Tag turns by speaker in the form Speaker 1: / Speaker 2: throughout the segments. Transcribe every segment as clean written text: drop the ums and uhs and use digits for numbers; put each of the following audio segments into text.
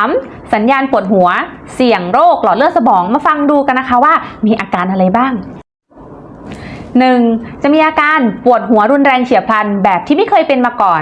Speaker 1: 3. สัญญาณปวดหัวเสี่ยงโรคหลอดเลือดสมองมาฟังดูกันนะคะว่ามีอาการอะไรบ้าง 1. จะมีอาการปวดหัวรุนแรงเฉียบพลันแบบที่ไม่เคยเป็นมาก่อน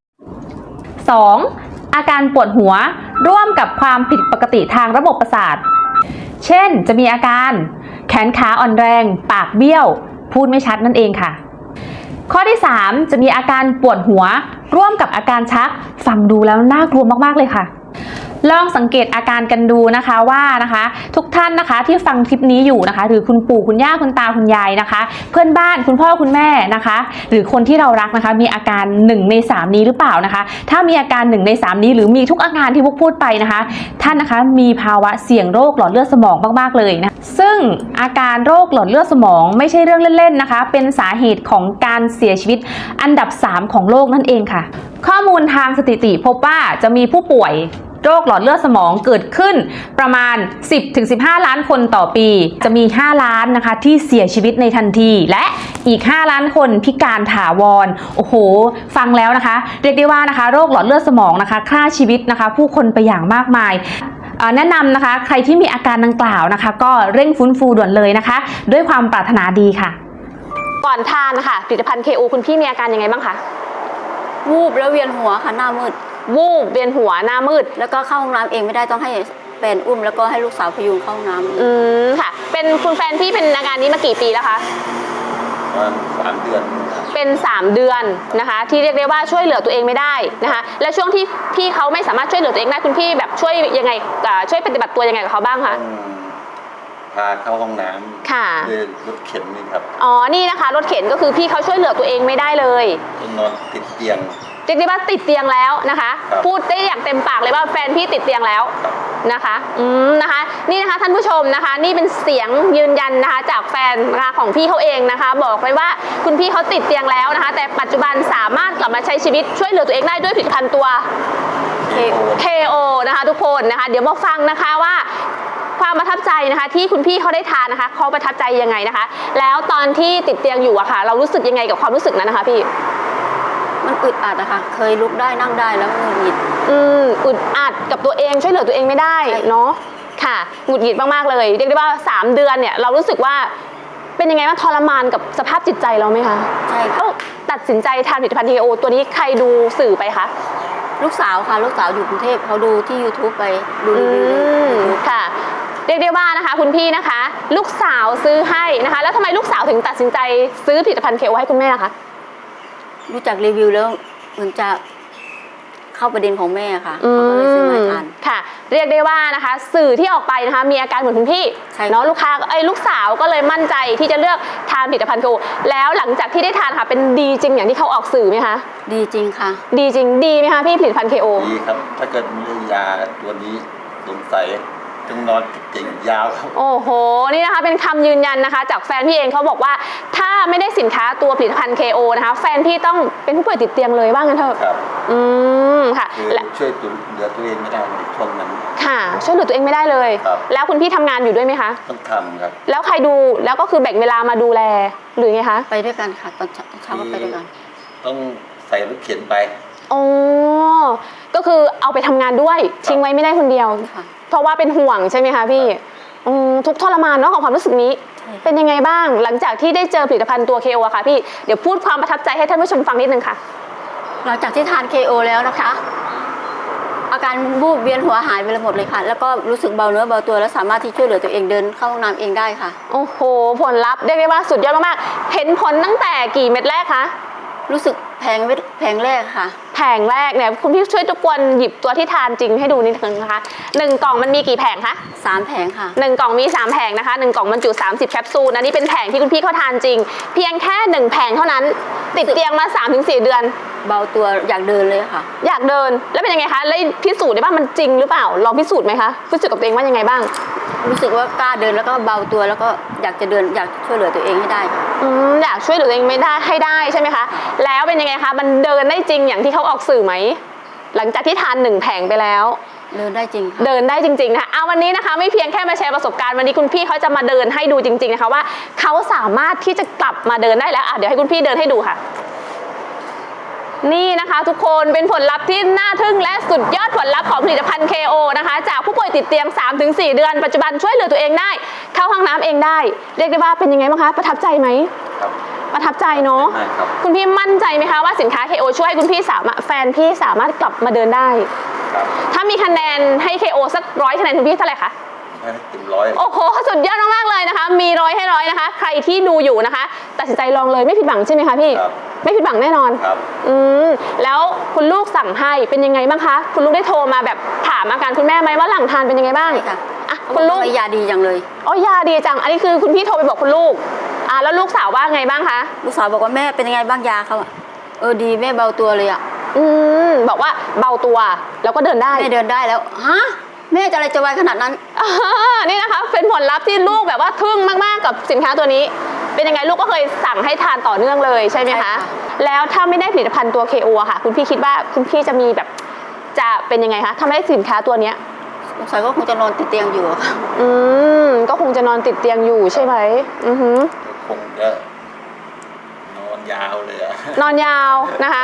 Speaker 1: 2. อาการปวดหัวร่วมกับความผิดปกติทางระบบประสาทเช่นจะมีอาการแขนขาอ่อนแรงปากเบี้ยวพูดไม่ชัดนั่นเองค่ะข้อที่ 3 จะมีอาการปวดหัวร่วมกับอาการชักฟังดูแล้วน่ากลัวมากๆเลยค่ะลองสังเกตอาการกันดูนะคะว่าทุกท่านนะคะที่ฟังคลิปนี้อยู่นะคะหรือคุณปู่คุณย่าคุณตาคุณยายนะคะเพื่อนบ้านคุณพ่อคุณแม่นะคะหรือคนที่เรารักนะคะมีอาการ1 ใน 3นี้หรือเปล่านะคะถ้ามีอาการ1 ใน 3นี้หรือมีทุกอาการที่พวกพูดไปนะคะท่านนะคะมีภาวะเสี่ยงโรคหลอดเลือดสมองมากๆเลยนะซึ่งอาการโรคหลอดเลือดสมองไม่ใช่เรื่องเล่นๆนะคะเป็นสาเหตุของการเสียชีวิตอันดับ3ของโลกนั่นเองค่ะข้อมูลทางสถิติพบว่าจะมีผู้ป่วยโรคหลอดเลือดสมองเกิดขึ้นประมาณ 10-15 ล้านคนต่อปีจะมี5 ล้านนะคะที่เสียชีวิตในทันทีและอีก5 ล้านคนพิการถาวรโอ้โหฟังแล้วนะคะเรียกได้ว่านะคะโรคหลอดเลือดสมองนะคะฆ่าชีวิตนะคะผู้คนไปอย่างมากมายแนะนำนะคะใครที่มีอาการดังกล่าวนะคะก็เร่งฟื้นฟูด่วนเลยนะคะด้วยความปรารถนาดีค่ะก่อนทานนะคะผลิตภัณฑ์ KO คุณพี่มีอาการยังไงบ้างคะ
Speaker 2: วูบแล้วเวียนหัวค่ะหน้ามืด
Speaker 1: วูบเวียนหัวหน้ามืด
Speaker 2: แล้วก็เข้าห้องน้ำเองไม่ได้ต้องให้แฟนอุ้มแล้วก็ให้ลูกสาวพยุงเข้าห้องน้
Speaker 1: ำค่ะเป็นคุณแฟนพี่เป็นอาการนี้มากี่ปีแล้วคะ
Speaker 3: ประมาณ3 เดือน
Speaker 1: เป็น3 เดือนนะคะที่เรียกได้ว่าช่วยเหลือตัวเองไม่ได้นะคะและช่วงที่พี่เขาไม่สามารถช่วยเหลือตัวเองได้คุณพี่แบบช่วยยังไงช่วยปฏิบัติตัวยังไงกับเขาบ้างคะ
Speaker 3: พาเข้าห้องน้ำ
Speaker 1: ค่ะ
Speaker 3: ด้วยรถเข็นนี่ครับ
Speaker 1: อ๋อนี่นะคะรถเข็นก็คือพี่เขาช่วยเหลือตัวเองไม่ได้เลย
Speaker 3: นอนติดเตียง
Speaker 1: เรียกได้ว่าติดเตียงแล้วนะคะพูดได้อย่างเต็มปากเลยว่าแฟนพี่ติดเตียงแล้วนะคะนะคะนี่นะคะท่านผู้ชมนะคะนี่เป็นเสียงยืนยันนะคะจากแฟนนะคะของพี่เขาเองนะคะบอกไว้ว่าคุณพี่เขาติดเตียงแล้วนะคะแต่ปัจจุบันสามารถกลับมาใช้ชีวิตช่วยเหลือตัวเองได้ด้วยผลิตภัณฑ์ตัว KO นะคะทุกคนนะคะเดี๋ยวมาฟังนะคะว่าความประทับใจนะคะที่คุณพี่เขาได้ทานนะคะเขาประทับใจยังไงนะคะแล้วตอนที่ติดเตียงอยู่อะค่ะเรารู้สึกยังไงกับความรู้สึกนั้นนะคะพี่
Speaker 2: มันอึดอัดอะค่ะเคยลุกได้นั่งได้แล้วหงุดหงิด
Speaker 1: อึดอัดกับตัวเองช่วยเหลือตัวเองไม่ได้เนาะค่ะหงุดหงิดมากๆเลยเรียกได้ว่า3 เดือนเนี่ยเรารู้สึกว่าเป็นยังไงว่าทรมานกับสภาพจิตใจเราไหมคะ
Speaker 2: ใช่ค่ะ
Speaker 1: ตัดสินใจทานผลิตภัณฑ์ KO ตัวนี้ใครดูสื่อไปคะ
Speaker 2: ลูกสาวค่ะลูกสาวอยู่กรุงเทพเขาดูที่ YouTube ไปดูรีวิว
Speaker 1: ค่ะเรียกได้ว่านะคะคุณพี่นะคะลูกสาวซื้อให้นะคะแล้วทำไมลูกสาวถึงตัดสินใจซื้อผลิตภัณฑ์ KO ให้คุณแม่ล่ะคะ
Speaker 2: รู้จักรีวิวแล้วมันจะเข้าประเด็นของแม่ค่ะเขาก็เลยซื้อมาทาน
Speaker 1: ค่ะเรียกได้ว่านะคะสื่อที่ออกไปนะคะมีอาการเหมือนคุณพี่เนาะลูกสาวก็เลยมั่นใจที่จะเลือกทานผลิตภัณฑ์ KO แล้วหลังจากที่ได้ทานค่ะเป็นดีจริงอย่างที่เขาออกสื่อไหมคะ
Speaker 2: ดีจริงค่ะ
Speaker 1: ดีจริงดีไหมคะพี่ผลิตภัณฑ์ KO
Speaker 3: ดีครับถ้าเกิดมียาตัวนี้สงสัยต้องนอนติดยาวครับ
Speaker 1: โอ้โหนี่นะคะเป็นคำยืนยันนะคะจากแฟนพี่เองเขาบอกว่าถ้าไม่ได้สินค้าตัวผลิตภัณฑ์ KO นะคะแฟนพี่ต้องเป็นผู้ป่วยติดเตียงเลยว่างั้นเถอะ
Speaker 3: ครับ
Speaker 1: ค่ะ
Speaker 3: และช่วยเหลือตัวเองไม่ได้ในช่วงนั้น
Speaker 1: ค่ะช่วยเหลือตัวเองไม่ได้เลยแล้วคุณพี่ทำงานอยู่ด้วยไหมคะ
Speaker 3: ต้องทำครับ
Speaker 1: แล้วใครดูแล้วก็คือแบ่งเวลามาดูแลหรือไงคะ
Speaker 2: ไปด้วยกันค่ะตอนเช้าก็ไปด้วยกัน
Speaker 3: ต้องใส่รถเข็นไป
Speaker 1: อ๋อก็คือเอาไปทำงานด้วยทิ้งไว้ไม่ได้คนเดียวเพราะว่าเป็นห่วงใช่ไหมคะพี่ทุกทรมานเนาะของความรู้สึกนี้เป็นยังไงบ้างหลังจากที่ได้เจอผลิตภัณฑ์ตัว KO อะค่ะพี่เดี๋ยวพูดความประทับใจให้ท่านผู้ชมฟังนิดนึงค่ะ
Speaker 2: หลังจากที่ทาน KO แล้วนะคะอาการวูบเวียนหัวหายไปหมดเลยค่ะแล้วก็รู้สึกเบาเนื้อเบาตัวแล้วสามารถที่ช่วยเหลือตัวเองเดินเข้าห้องน้ำเองได้ค่ะ
Speaker 1: โอ้โหผลลัพธ์เรียกได้ว่าสุดยอดมากๆเห็นผลตั้งแต่กี่เม็ดแรกคะ
Speaker 2: รู้สึกแผงแรกค่ะ
Speaker 1: แผงแรกเนี่ยคุณพี่ช่วยทุกคนหยิบตัวที่ทานจริงให้ดูนิดนึงนะคะ1 กล่องมันมีกี่แผงคะ
Speaker 2: 3 แผงค่ะ
Speaker 1: 1 กล่องมี3 แผงนะคะ1 กล่องบรรจุ30 แคปซูลอันนี้เป็นแผงที่คุณพี่เขาทานจริงเพียงแค่1 แผงเท่านั้นติดเตียงมา 3-4 เดือน
Speaker 2: เบาตัวอยากเดินเลยค่ะ
Speaker 1: อยากเดินแล้วเป็นยังไงคะแล้วพิสูจน์ได้บ้างมันจริงหรือเปล่าลองพิสูจน์ไหมคะพิสูจน์กับตัวเองว่ายังไงบ้าง
Speaker 2: รู้สึกว่ากล้าเดินแล้วก็เบาตัวแล้วก็อยากจะเดินอยากช่วยเหลือตัวเองให้ได้ค่ะ
Speaker 1: อยากช่วยเหลือตัวเองไม่ได้ให้ได้ใช่ไหมคะแล้วเป็นยังไงคะมันเดินได้จริงอย่างที่เขาออกสื่อไหมหลังจากที่ทาน1 แผงไปแล้ว
Speaker 2: เดินได้จริง
Speaker 1: เดินได้จริงๆนะคะวันนี้นะคะไม่เพียงแค่มาแชร์ประสบการณ์วันนี้คุณพี่เขาจะมาเดินให้ดูจริงๆนะคะว่าเขาสามารถที่จะกลับมาเดินได้แล้วเดี๋ยวให้คุณพี่เดินให้ดูค่ะนี่นะคะทุกคนเป็นผลลัพธ์ที่น่าทึ่งและสุดยอดผลลัพธ์ของผลิตภัณฑ์ KO นะคะจากผู้ป่วยติดเตียง 3-4 เดือนปัจจุบันช่วยเหลือตัวเองได้เข้าห้องน้ำเองได้เรียกได้ว่าเป็นยังไงบ้างคะประทับใจไหม
Speaker 3: ครับ
Speaker 1: ประทับใจเนาะ
Speaker 3: ได้ครับ
Speaker 1: คุณพี่มั่นใจไหมคะว่าสินค้า KO ช่วยให้คุณพี่แฟนพี่สามารถกลับมาเดินได้
Speaker 3: ครับ
Speaker 1: ถ้ามีคะแนนให้ KO สัก100 คะแนนคุณพี่เท่าไหร่คะ
Speaker 3: ให้เต็มร้อย
Speaker 1: โอ้โหสุดยอดมากๆเลยนะคะ มี100 ให้ 100นะคะ ใครที่ดูอยู่นะคะตัดสินใจลองเลยไม่ผิดหวังใช่ไหมคะพี่
Speaker 3: ครับ
Speaker 1: ไม่ผิดหวังแน่นอน
Speaker 3: ครับ
Speaker 1: แล้วคุณลูกสั่งให้เป็นยังไงบ้างคะ คุณลูกได้โทรมาแบบถามอาการคุณแม่ไหมว่าหลังทานเป็นยังไงบ้าง
Speaker 2: ใช่ค่ะ
Speaker 1: อ่ะคุณลูก
Speaker 2: ทำไมยาดีจังเลย
Speaker 1: อ๋อยาดีจัง อันนี้คือคุณพี่โทรไปบอกคุณลูกแล้วลูกสาวว่าไงบ้างคะ
Speaker 2: ลูกสาวบอกว่าแม่เป็นยังไงบ้างยาเขาอะดีแม่เบาตัวเลยอะ
Speaker 1: บอกว่าเบาตัวแล้วก็เดินได้
Speaker 2: แม่เดินได้แล้วฮะแม่จะอะไรจะไวขนาดนั้น
Speaker 1: นี่นะคะเป็นผลลัพธ์ที่ลูกแบบว่าทึ่งมากๆกับสินค้าตัวนี้ เป็นยังไงลูกก็เคยสั่งให้ทานต่อเนื่องเลยใช่ไหม
Speaker 2: ใช่
Speaker 1: คะ
Speaker 2: ค่ะ
Speaker 1: แล้วถ้าไม่ได้ผลิตภัณฑ์ตัว KO อะค่ะ คุณพี่คิดว่าคุณพี่จะมีแบบจะเป็นยังไงคะถ้าไม่ได้สินค้าตัวเนี้ย
Speaker 2: สงสัยก็คงจะนอนติดเตียงอยู่อะค่ะ
Speaker 1: ก็คงจะนอนติดเตียงอยู่ใช่ไหม
Speaker 3: คงจะนอนยาวเลยอะ
Speaker 1: นอนยาวนะคะ